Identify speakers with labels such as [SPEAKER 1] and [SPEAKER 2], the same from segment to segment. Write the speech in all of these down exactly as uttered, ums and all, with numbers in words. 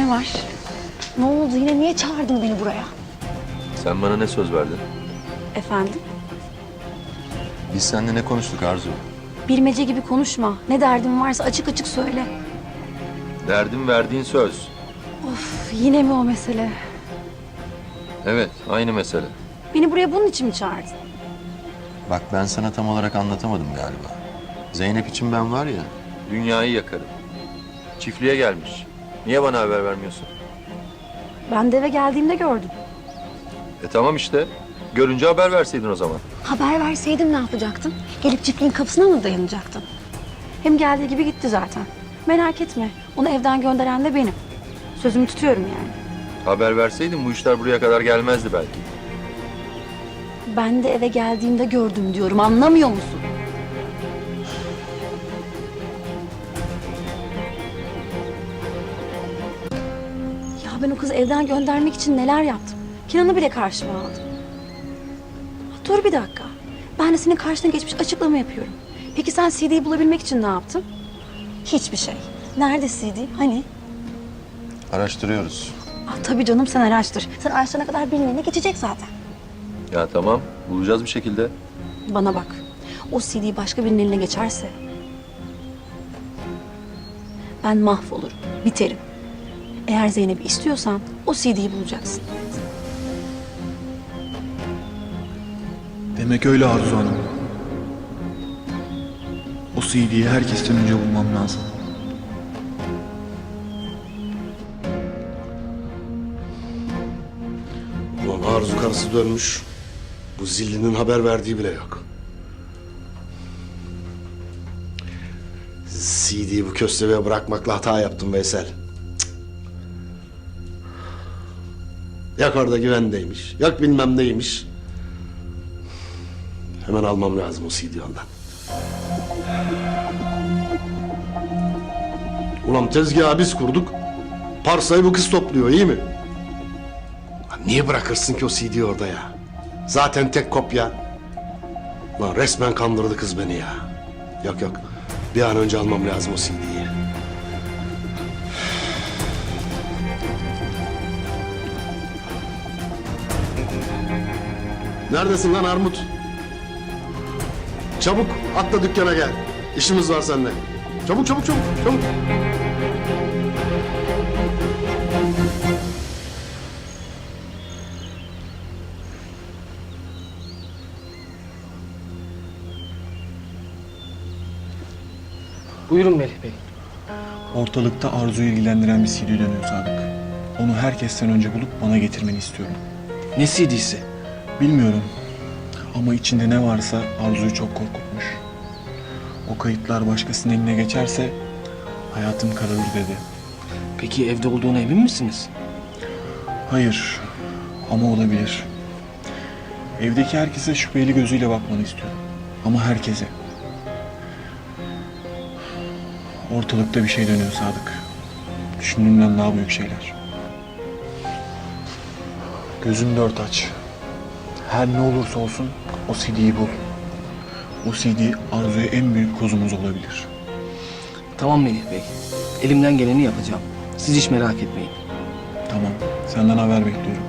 [SPEAKER 1] Ne var? Ne oldu yine? Niye çağırdın beni buraya?
[SPEAKER 2] Sen bana ne söz verdin?
[SPEAKER 1] Efendim?
[SPEAKER 2] Biz seninle ne konuştuk Arzu?
[SPEAKER 1] Bilmece gibi konuşma. Ne derdin varsa açık açık söyle.
[SPEAKER 2] Derdim verdiğin söz.
[SPEAKER 1] Of, yine mi o mesele?
[SPEAKER 2] Evet, aynı mesele.
[SPEAKER 1] Beni buraya bunun için mi çağırdın?
[SPEAKER 2] Bak ben sana tam olarak anlatamadım galiba. Zeynep için ben var ya, dünyayı yakarım. Çiftliğe gelmiş. Niye bana haber vermiyorsun?
[SPEAKER 1] Ben de eve geldiğimde gördüm.
[SPEAKER 2] E tamam işte. Görünce haber verseydin o zaman.
[SPEAKER 1] Haber verseydim ne yapacaktın? Gelip çiftliğin kapısına mı dayanacaktın? Hem geldiği gibi gitti zaten. Merak etme. Onu evden gönderen de benim. Sözümü tutuyorum yani.
[SPEAKER 2] Haber verseydin bu işler buraya kadar gelmezdi belki.
[SPEAKER 1] Ben de eve geldiğimde gördüm diyorum. Anlamıyor musun? Ya ben o kızı evden göndermek için neler yaptım. Kenan'ı bile karşıma aldım. Dur bir dakika. Ben de senin karşına geçmiş açıklama yapıyorum. Peki sen C D'yi bulabilmek için ne yaptın? Hiçbir şey. Nerede C D? Hani?
[SPEAKER 2] Araştırıyoruz.
[SPEAKER 1] Ah, tabii canım sen araştır. Sen araştırana kadar birilerine geçecek zaten.
[SPEAKER 2] Ya tamam, bulacağız bir şekilde.
[SPEAKER 1] Bana bak. O C D başka birinin eline geçerse... ben mahvolurum, biterim. Eğer Zeynep'i istiyorsan o C D'yi bulacaksın.
[SPEAKER 3] Demek öyle Arzu Hanım. O C D'yi herkesten önce bulmam lazım.
[SPEAKER 4] Ulan Arzu karısı dönmüş. Bu zillinin haber verdiği bile yok. C D'yi bu köstebeğe bırakmakla hata yaptım Veysel. Cık. Yok orada güvendeymiş, yok bilmem neymiş. Hemen almam lazım o C D'yi ondan. Ulan tezgahı biz kurduk. Parsayı bu kız topluyor, iyi mi? Lan niye bırakırsın ki o C D'yi orada ya? Zaten tek kopya. Lan resmen kandırdı kız beni ya. Yok yok. Bir an önce almam lazım o C D'yi. Neredesin lan Armut? Çabuk atla dükkana gel. İşimiz var seninle. Çabuk çabuk çabuk çabuk.
[SPEAKER 5] Buyurun Melih Bey.
[SPEAKER 3] Ortalıkta Arzu'yu ilgilendiren bir C D dönüyor Sadık. Onu herkesten önce bulup bana getirmeni istiyorum.
[SPEAKER 5] Ne C D'si?
[SPEAKER 3] Bilmiyorum ama içinde ne varsa Arzu'yu çok korkutmuş. O kayıtlar başkasının eline geçerse hayatım kararır dedi.
[SPEAKER 5] Peki evde olduğuna emin misiniz?
[SPEAKER 3] Hayır ama olabilir. Evdeki herkese şüpheli gözüyle bakmanı istiyorum. Ama herkese. Ortalıkta bir şey dönüyor Sadık. Düşündüğümden daha büyük şeyler. Gözünü dört aç. Her ne olursa olsun o C D'yi bul. O C D Arzu'ya en büyük kozumuz olabilir.
[SPEAKER 5] Tamam Melih Bey. Elimden geleni yapacağım. Siz hiç merak etmeyin.
[SPEAKER 3] Tamam, senden haber bekliyorum.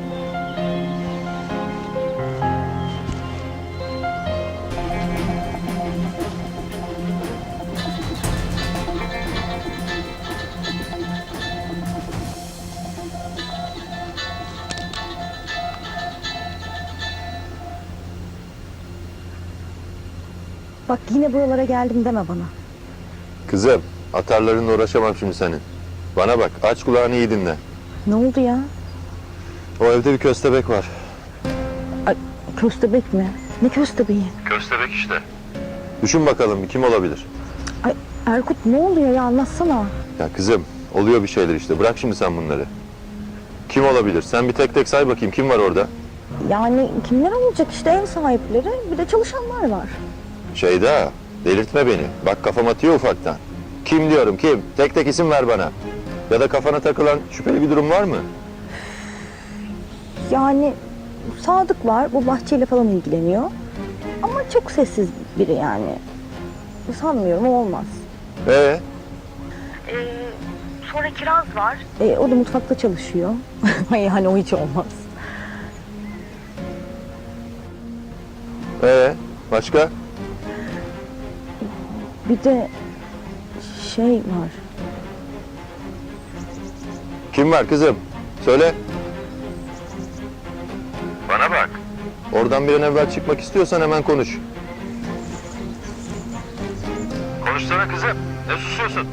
[SPEAKER 1] Bak yine buralara geldim deme bana.
[SPEAKER 2] Kızım, atarlarınla uğraşamam şimdi senin. Bana bak, aç kulağını iyi dinle.
[SPEAKER 1] Ne oldu ya?
[SPEAKER 2] O evde bir köstebek var.
[SPEAKER 1] Ay, köstebek mi? Ne köstebeği?
[SPEAKER 2] Köstebek işte. Düşün bakalım bir kim olabilir?
[SPEAKER 1] Ay Erkut ne oluyor ya anlatsana.
[SPEAKER 2] Ya kızım, oluyor bir şeyler işte. Bırak şimdi sen bunları. Kim olabilir? Sen bir tek tek say bakayım. Kim var orada?
[SPEAKER 6] Yani kimler olacak işte ev sahipleri bir de çalışanlar var.
[SPEAKER 2] Şeyda, delirtme beni. Bak kafam atıyor ufaktan. Kim diyorum kim? Tek tek isim ver bana. Ya da kafana takılan şüpheli bir durum var mı?
[SPEAKER 6] Yani Sadık var bu bahçeyle falan ilgileniyor. Ama çok sessiz biri yani. Sanmıyorum o olmaz.
[SPEAKER 2] Ee?
[SPEAKER 6] Ee, Sonra Kiraz var. E, o da mutfakta çalışıyor. Yani o hiç olmaz.
[SPEAKER 2] Ee, başka?
[SPEAKER 6] Bir de şey var.
[SPEAKER 2] Kim var kızım? Söyle. Bana bak. Oradan bir an evvel çıkmak istiyorsan hemen konuş. Konuşsana kızım. Ne susuyorsun?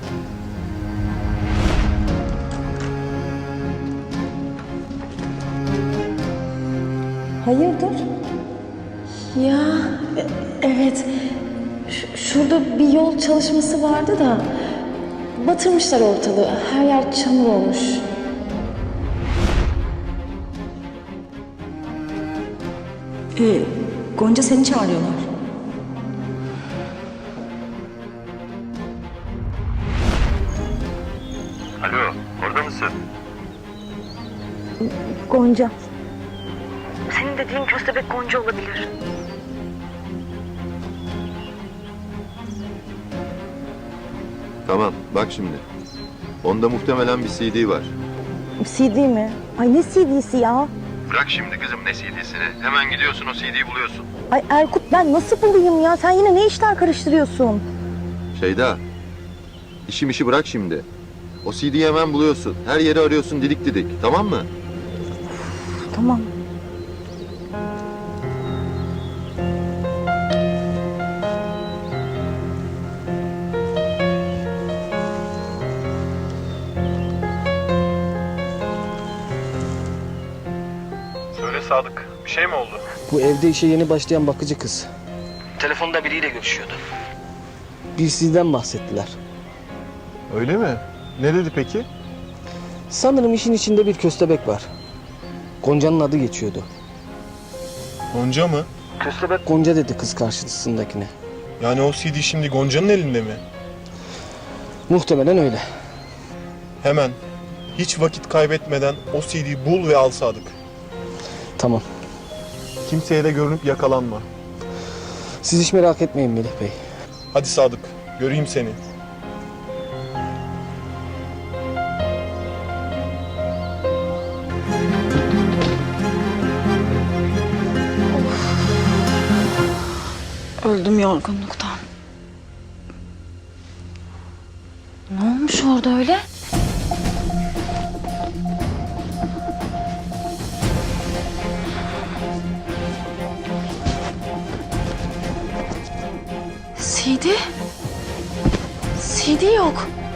[SPEAKER 6] Hayırdır?
[SPEAKER 1] Ya e- evet. Ş- şurada bir yol çalışması vardı da batırmışlar ortalığı. Her yer çamur olmuş. Ee, Gonca seni çağırıyorlar.
[SPEAKER 2] Alo, orada mısın?
[SPEAKER 6] Gonca. Senin dediğin köstebek Gonca olabilir.
[SPEAKER 2] Tamam, bak şimdi. Onda muhtemelen bir C D var.
[SPEAKER 6] C D mi? Ay ne C D'si ya?
[SPEAKER 2] Bırak şimdi kızım ne C D'sini. Hemen gidiyorsun o C D'yi buluyorsun.
[SPEAKER 6] Ay Erkut ben nasıl bulayım ya? Sen yine ne işler karıştırıyorsun?
[SPEAKER 2] Şeyda, işim işi bırak şimdi. O C D'yi hemen buluyorsun. Her yeri arıyorsun didik didik, tamam mı?
[SPEAKER 6] Tamam.
[SPEAKER 3] Söyle Sadık, bir şey mi oldu?
[SPEAKER 5] Bu evde işe yeni başlayan bakıcı kız. Telefonda biriyle görüşüyordu. Bir sizden bahsettiler.
[SPEAKER 3] Öyle mi? Ne dedi peki?
[SPEAKER 5] Sanırım işin içinde bir köstebek var. Gonca'nın adı geçiyordu.
[SPEAKER 3] Gonca mı?
[SPEAKER 5] Köstebek Gonca dedi kız karşısındakine.
[SPEAKER 3] Yani o C D şimdi Gonca'nın elinde mi?
[SPEAKER 5] Muhtemelen öyle.
[SPEAKER 3] Hemen, hiç vakit kaybetmeden o C D'yi bul ve al Sadık.
[SPEAKER 5] Tamam.
[SPEAKER 3] Kimseye de görünüp yakalanma.
[SPEAKER 5] Siz hiç merak etmeyin Melih Bey.
[SPEAKER 3] Hadi Sadık, göreyim seni.
[SPEAKER 1] Öldüm yorgunluktan. Ne olmuş orada öyle? C D? C D yok.